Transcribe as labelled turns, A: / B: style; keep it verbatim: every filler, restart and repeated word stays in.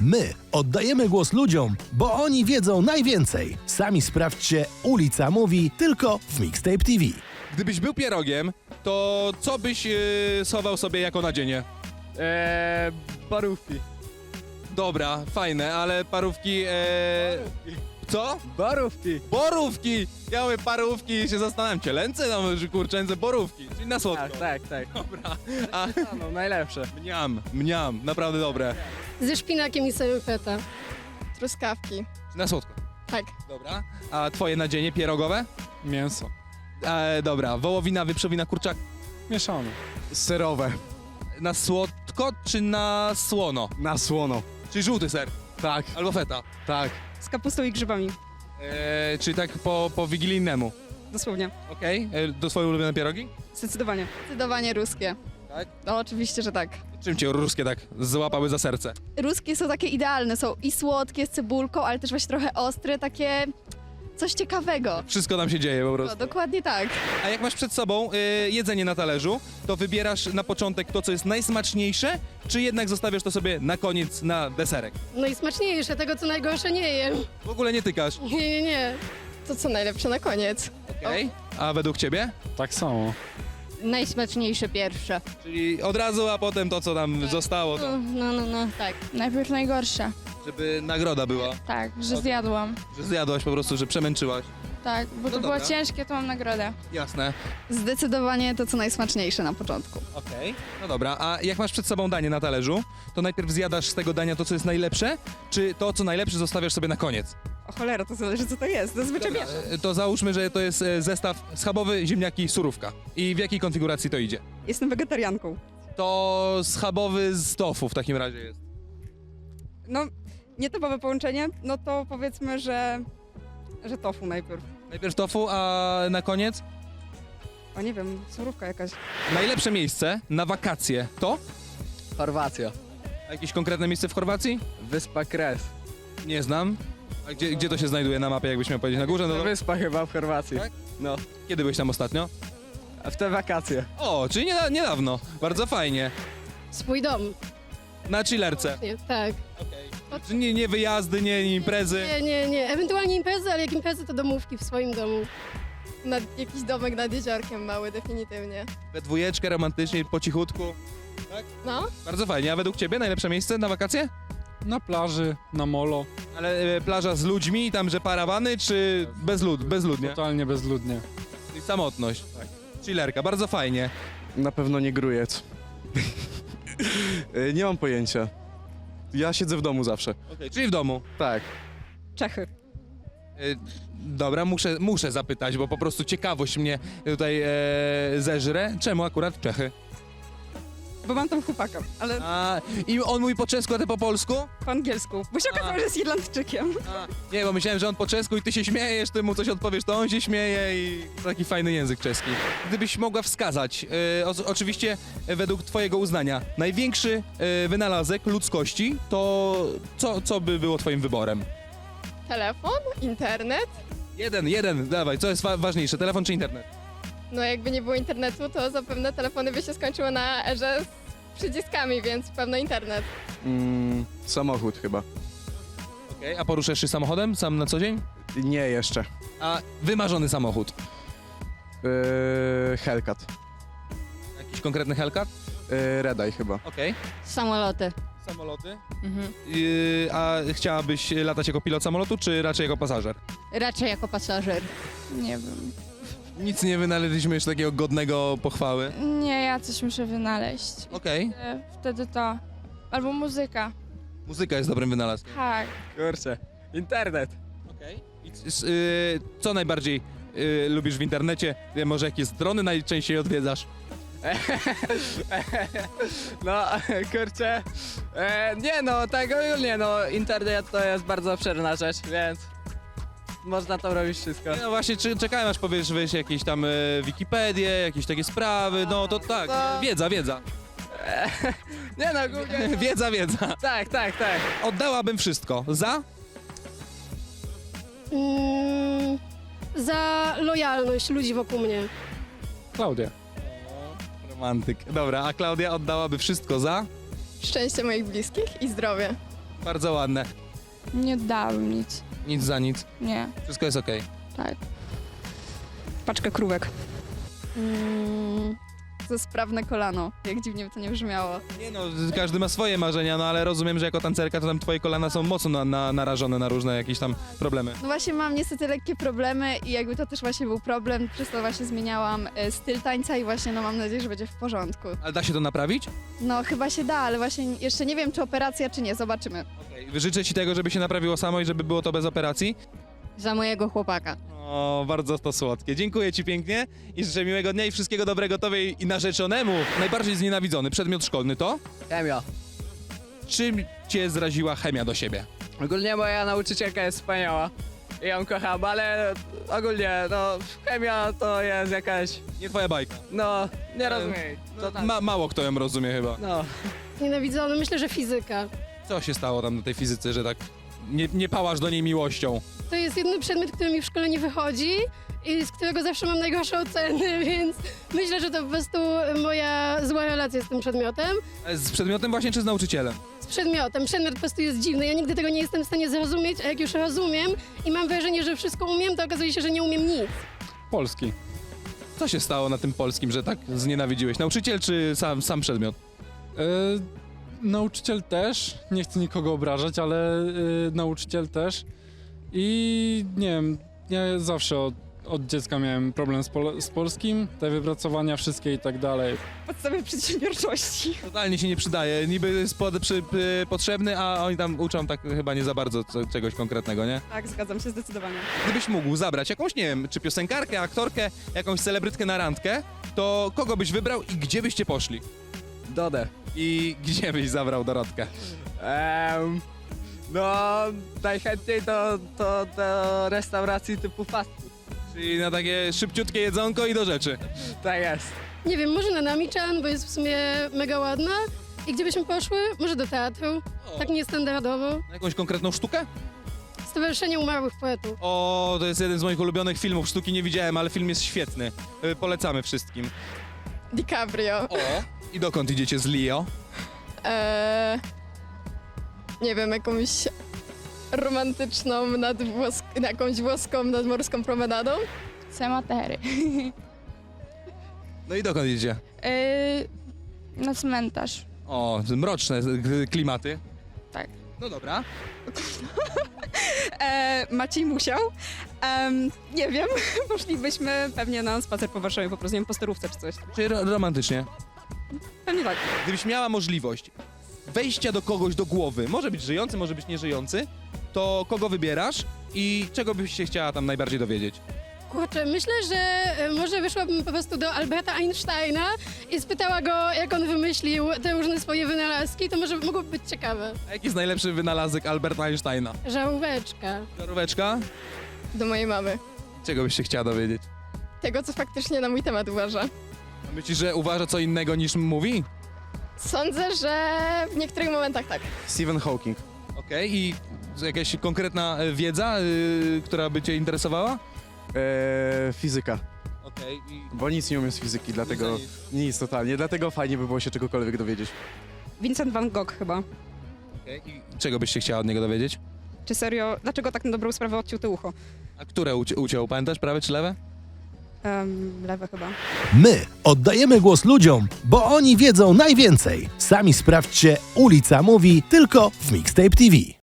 A: My oddajemy głos ludziom, bo oni wiedzą najwięcej. Sami sprawdźcie Ulica Mówi tylko w Mixtape T V.
B: Gdybyś był pierogiem, to co byś yy, schował sobie jako nadzienie?
C: Eee, barówki.
B: Dobra, fajne, ale parówki... E... Co?
C: Barówki.
B: Borówki! Ja mówię parówki i się zastanawiam, cielęce, no, że kurczęce, borówki, czyli na słodko.
C: Tak, tak, tak.
B: Dobra, a
C: No, najlepsze.
B: mniam, mniam, naprawdę dobre.
D: Ze szpinakiem i soją feta.
E: Truskawki.
B: Na słodko.
E: Tak.
B: Dobra, a twoje nadzienie pierogowe?
F: Mięso.
B: E, dobra, wołowina, wieprzowina, kurczak.
F: Mieszane.
C: Serowe.
B: Na słodko czy na słono?
C: Na słono.
B: Czyli żółty ser,
C: Tak,
B: albo feta.
C: tak.
E: Z kapustą i grzybami.
B: E, czyli tak po, po wigilijnemu.
E: Dosłownie.
B: Okej, e, to swoje ulubione pierogi?
E: Zdecydowanie. Zdecydowanie ruskie.
B: Tak?
E: No oczywiście, że tak.
B: Czym cię ruskie tak złapały za serce?
E: Ruskie są takie idealne, są i słodkie z cebulką, ale też właśnie trochę ostre, takie coś ciekawego.
B: Wszystko tam się dzieje po
E: No,
B: prostu.
E: dokładnie tak.
B: A jak masz przed sobą y, jedzenie na talerzu, to wybierasz na początek to, co jest najsmaczniejsze, czy jednak zostawiasz to sobie na koniec na deserek?
D: No i smaczniejsze, tego co najgorsze nie jem.
B: W ogóle nie tykasz.
D: Nie, nie, nie.
E: To co najlepsze na koniec.
B: Okej. A według ciebie?
F: Tak samo.
G: Najsmaczniejsze pierwsze.
B: Czyli od razu, a potem to, co tam zostało, to,
G: No, no, no, tak.
H: Najpierw najgorsze.
B: żeby nagroda była.
H: Tak, że
B: Okej.
H: zjadłam.
B: Że zjadłaś po prostu, że przemęczyłaś.
H: Tak, bo to
B: No
H: było
B: dobra.
H: ciężkie, to mam nagrodę.
B: Jasne.
E: Zdecydowanie to co najsmaczniejsze na początku.
B: Okej. No dobra, a jak masz przed sobą danie na talerzu, to najpierw zjadasz z tego dania to, co jest najlepsze, czy to, co najlepsze zostawiasz sobie na koniec?
E: O cholera, to zależy co to jest. Zazwyczaj
B: Dobra, e, to załóżmy, że to jest e, zestaw schabowy, ziemniaki, surówka. I w jakiej konfiguracji to idzie?
E: Jestem wegetarianką.
B: To schabowy z tofu w takim razie jest.
E: No, nietypowe połączenie, no to powiedzmy, że, że tofu najpierw.
B: Najpierw tofu, a na koniec
E: O nie wiem, surówka jakaś.
B: najlepsze miejsce na wakacje to?
C: Chorwacja.
B: A jakieś konkretne miejsce w Chorwacji?
C: Wyspa Kres.
B: Nie znam. A gdzie, gdzie to się znajduje na mapie, jakbyś miał powiedzieć? Na górze? No to...
C: Wyspa chyba w Chorwacji.
B: Tak?
C: No,
B: Kiedy byłeś tam ostatnio?
C: a w te wakacje.
B: O, czyli nieda- niedawno. Bardzo fajnie.
D: Swój dom.
B: Na chillerce.
D: Nie, tak.
B: Czy Nie, nie wyjazdy, nie, nie imprezy.
D: Nie, nie, nie. Ewentualnie imprezy, ale jak imprezy to domówki w swoim domu.
E: Nad, jakiś domek nad jeziorkiem mały, definitywnie.
B: We dwójeczkę, romantycznie, po cichutku.
E: No,
B: Bardzo fajnie. A według ciebie najlepsze miejsce na wakacje?
F: Na plaży, na molo.
B: Ale e, plaża z ludźmi, tam, że parawany, czy bezlud, bezludnie?
F: Totalnie bezludnie.
B: Czyli samotność. Tak. Chillerka, bardzo fajnie.
I: Na pewno nie grujec. Y, nie mam pojęcia. Ja siedzę w domu zawsze.
B: Okay. Czyli w domu.
I: Tak.
E: Czechy.
B: E, dobra, muszę, muszę zapytać, bo po prostu ciekawość mnie tutaj e, zeżre. Czemu akurat Czechy?
E: Bo mam tam chłopaka, ale
B: A, i on mówi po czesku, a ty po polsku?
E: po angielsku. Bo się okazało, że jest Irlandczykiem.
B: A, nie, bo myślałem, że on po czesku i ty się śmiejesz, ty mu coś odpowiesz, to on się śmieje i taki fajny język czeski. Gdybyś mogła wskazać, e, o, oczywiście e, według twojego uznania, największy e, wynalazek ludzkości, to co, co by było twoim wyborem?
E: Telefon? Internet?
B: Jeden, jeden, dawaj, co jest wa- ważniejsze, telefon czy internet?
E: No jakby nie było internetu, to zapewne telefony by się skończyły na erze z przyciskami, więc pewno internet.
I: Mm, samochód chyba.
B: Okej, a poruszasz się samochodem sam na co dzień?
I: Nie jeszcze.
B: A wymarzony samochód?
I: Yy, Hellcat.
B: Jakiś konkretny Hellcat?
I: Yy, Redaj chyba.
B: Okej.
G: Samoloty.
B: Samoloty?
G: Mhm.
B: Yy, a chciałabyś latać jako pilot samolotu, czy raczej jako pasażer?
G: Raczej jako pasażer.
H: Nie wiem.
B: Nic nie wynaleźliśmy jeszcze takiego godnego pochwały.
H: Nie, ja coś muszę wynaleźć.
B: Okej.
H: E, Wtedy to. Albo muzyka.
B: Muzyka jest dobrym wynalazkiem.
H: Tak.
C: Kurczę. Internet.
B: Okej. I c- yy, co najbardziej yy, lubisz w internecie? Yy, może jakie strony najczęściej odwiedzasz?
C: No, kurczę. E, nie no, tak ogólnie, no, internet to jest bardzo obszerna rzecz, więc można tam robić wszystko.
B: No właśnie, czy, czekałem aż powiesz, wiesz, jakieś tam yy, Wikipedię, jakieś takie sprawy, no to tak,
C: To-
B: wiedza, wiedza.
C: Nie no, ogólnie.
B: Wiedza, wiedza.
C: Tak, tak, tak.
B: Oddałabym wszystko. Za?
D: Mm, za lojalność ludzi wokół mnie.
F: Klaudia.
B: Romantyk. Dobra, a Klaudia oddałaby wszystko za?
E: Szczęście moich bliskich i zdrowie.
B: Bardzo ładne.
H: Nie dałbym nic.
B: Nic za nic.
H: Nie,
B: Wszystko jest okej.
H: tak.
J: Paczkę krówek.
E: Mm, za sprawne kolano, jak dziwnie by to nie brzmiało.
B: Nie no, każdy ma swoje marzenia, no ale rozumiem, że jako tancerka to tam twoje kolana są mocno na, na, narażone na różne jakieś tam problemy.
E: No właśnie mam niestety lekkie problemy i jakby to też właśnie był problem, przez to właśnie zmieniałam e, styl tańca i właśnie no mam nadzieję, że będzie w porządku.
B: Ale da się to naprawić?
E: No chyba się da, ale właśnie jeszcze nie wiem, czy operacja, czy nie, zobaczymy.
B: Okej. Życzę ci tego, żeby się naprawiło samo i żeby było to bez operacji.
G: Za mojego chłopaka.
B: O, bardzo to słodkie. Dziękuję ci pięknie i życzę miłego dnia i wszystkiego dobrego tobie i narzeczonemu. Najbardziej znienawidzony przedmiot szkolny to?
C: Chemia.
B: Czym cię zraziła chemia do siebie?
C: Ogólnie moja nauczycielka jest wspaniała. I ją kocham, ale ogólnie, no, chemia to jest jakaś,
B: Nie twoja bajka.
C: no, nie
B: E,
C: rozumiem.
B: To
C: tak.
B: ma, mało kto ją rozumie chyba.
C: No.
D: Nienawidzony, myślę, że fizyka.
B: Co się stało tam na tej fizyce, że tak nie, nie pałasz do niej miłością?
D: To jest jedyny przedmiot, który mi w szkole nie wychodzi i z którego zawsze mam najgorsze oceny, więc myślę, że to po prostu moja zła relacja z tym przedmiotem.
B: E, Z przedmiotem właśnie czy z nauczycielem?
D: Z przedmiotem. Przedmiot po prostu jest dziwny. Ja nigdy tego nie jestem w stanie zrozumieć, a jak już rozumiem i mam wrażenie, że wszystko umiem, to okazuje się, że nie umiem nic.
F: Polski.
B: Co się stało na tym polskim, że tak znienawidziłeś? Nauczyciel czy sam, sam przedmiot?
F: E, nauczyciel też, nie chcę nikogo obrażać, ale e, nauczyciel też. I nie wiem, ja zawsze od, od dziecka miałem problem z, pol z polskim, te wypracowania wszystkie i tak dalej.
J: Podstawy przedsiębiorczości.
B: Totalnie się nie przydaje. Niby jest pod, przy, py, potrzebny, a oni tam uczą tak chyba nie za bardzo co, czegoś konkretnego, nie?
J: Tak, zgadzam się zdecydowanie.
B: Gdybyś mógł zabrać jakąś, nie wiem, czy piosenkarkę, aktorkę, jakąś celebrytkę na randkę, to kogo byś wybrał i gdzie byście poszli?
C: Dodę.
B: I gdzie byś zabrał Dorotkę?
C: Em, no, najchętniej do, do, do restauracji typu fast food.
B: Czyli na takie szybciutkie jedzonko i do rzeczy.
C: Tak jest.
D: Nie wiem, może na Nami-chan, bo jest w sumie mega ładna. I gdzie byśmy poszły? Może do teatru, tak niestandardowo.
B: Na jakąś konkretną sztukę?
D: Stowarzyszenie Umarłych Poetów.
B: O, to jest jeden z moich ulubionych filmów. Sztuki nie widziałem, ale film jest świetny. Y, Polecamy wszystkim.
E: DiCaprio.
B: O! I dokąd idziecie z Leo?
E: Eee, nie wiem, jakąś romantyczną, nadwłos- jakąś włoską nadmorską promenadą.
H: Cematery.
B: No i dokąd idziecie?
H: Yy, na cmentarz.
B: O, mroczne y, klimaty.
H: Tak.
B: No dobra.
J: E, Maciej musiał. Em, nie wiem, poszlibyśmy pewnie na spacer po Warszawie, po prostu nie wiem, po sterówce czy coś.
B: Czyli ro- romantycznie.
J: Pewnie tak.
B: Gdybyś miała możliwość wejścia do kogoś do głowy, może być żyjący, może być nieżyjący, to kogo wybierasz i czego byś się chciała tam najbardziej dowiedzieć?
D: Kurczę, myślę, że e, może wyszłabym po prostu do Alberta Einsteina i spytała go, jak on wymyślił te różne swoje wynalazki, to może mogłoby być ciekawe.
B: A jaki jest najlepszy wynalazek Alberta Einsteina?
D: Żaróweczka.
B: Żaróweczka?
E: Do mojej mamy.
B: Czego byś się chciała dowiedzieć?
E: Tego, co faktycznie na mój temat uważa.
B: A myślisz, że uważa co innego niż mówi?
E: Sądzę, że w niektórych momentach tak.
I: Stephen Hawking.
B: Okej, i jakaś konkretna e, wiedza, y, która by cię interesowała?
I: E, fizyka.
B: Okej, i...
I: Bo nic nie umiem z fizyki, dlatego
B: Nic
I: nic totalnie. Dlatego fajnie by było się czegokolwiek dowiedzieć.
J: Vincent van Gogh chyba.
B: Okej, i czego byś się chciała od niego dowiedzieć?
J: Czy serio, dlaczego tak na dobrą sprawę odciął te ucho?
B: A które uci- uciął, pamiętasz, prawe czy lewe?
J: Um, lewe chyba.
A: My oddajemy głos ludziom, bo oni wiedzą najwięcej. Sami sprawdźcie, Ulica Mówi tylko w Mixtape T V.